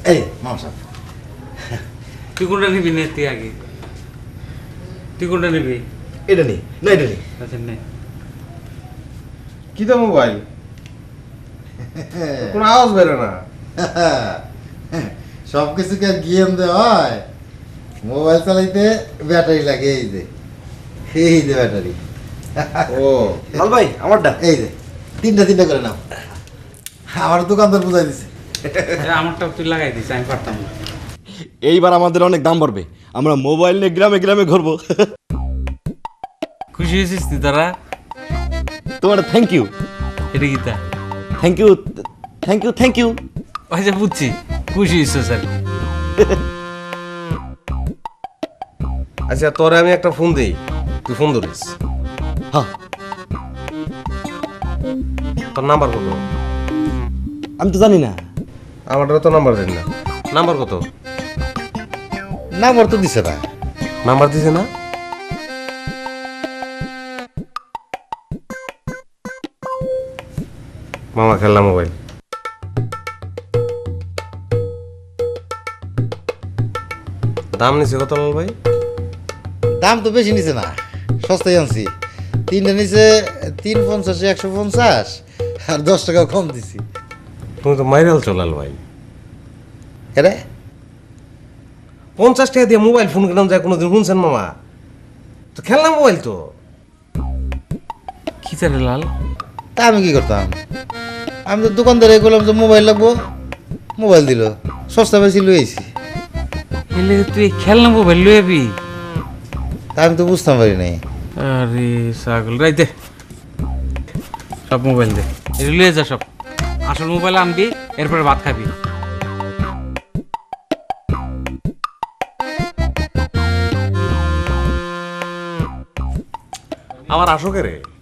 এই মামা সাহেব, তুই কোনটা নিবি নে তুই আগে, তুই কোনটা নিবি? এটা নেই না, এটা নেই। আচ্ছা নে। কি তো মোবাইল, কোনো আওয়াজ বেরো না। সব কিছু কি আর গেম দেওয়া হয়? মোবাইল চালাইতে ব্যাটারি লাগে, এই যে ব্যাটারি। ও লাল ভাই আমারটা এই যে তিনটা করে নাও। আমার দোকানদার বুঝাই দিছে। আমারটাও তুই লাগাই দিস, আমি পারতাম না। এইবার আমাদের অনেক দাম বাড়বে, আমরা মোবাইল নিয়ে গ্রামে গ্রামে ঘুরবো। খুশি হয়েছিস তুই তোরা? তোমার থ্যাংক ইউ, এটা কি তা? Thank you, thank you, thank you. আচ্ছা বুঝছি, খুশি হয়েছিস আর কি। আচ্ছা, তোরে আমি একটা ফোন দিই, তুই ফোন ধরিস। হ্যাঁ, তোর নাম্বার কত? আমি তো জানি না। আমারটা তো নাম্বার দেন না। নাম্বার কত? নাম্বার তো দিছে না। নাম্বার দিছে না? মামা খেললাম মোবাইল। দাম নিছে কত লাল ভাই? দাম তো বেশি নিছে না, সস্তায় আনছি। তিনটা নিচে 350, 150 আর 10 টাকা কম দিছি। তুমি তো মাইরাল চলাল ভাই। এরে 50 টাকা দিয়ে মোবাইল ফোন কিনলাম যায় কোনোদিন শুনছেন মামা? তো খেললাম মোবাইল তো। কি তারে লাল? তা আমি কি করতাম? আমি তো দোকানদারে বললাম যে মোবাইল লাগবো, মোবাইল দিল, সস্তা বেশি লইছি। এলে তুই খেলনা মোবাইল লই আবি? তা আমি তো বুঝতাম পারি নাই। আরে ছাগল রাই দে, সব মোবাইল দে, এটা লয়ে যা সব। আসল মোবাইল আনবি, এরপরে ভাত খাবি। আবার আসো কে রে?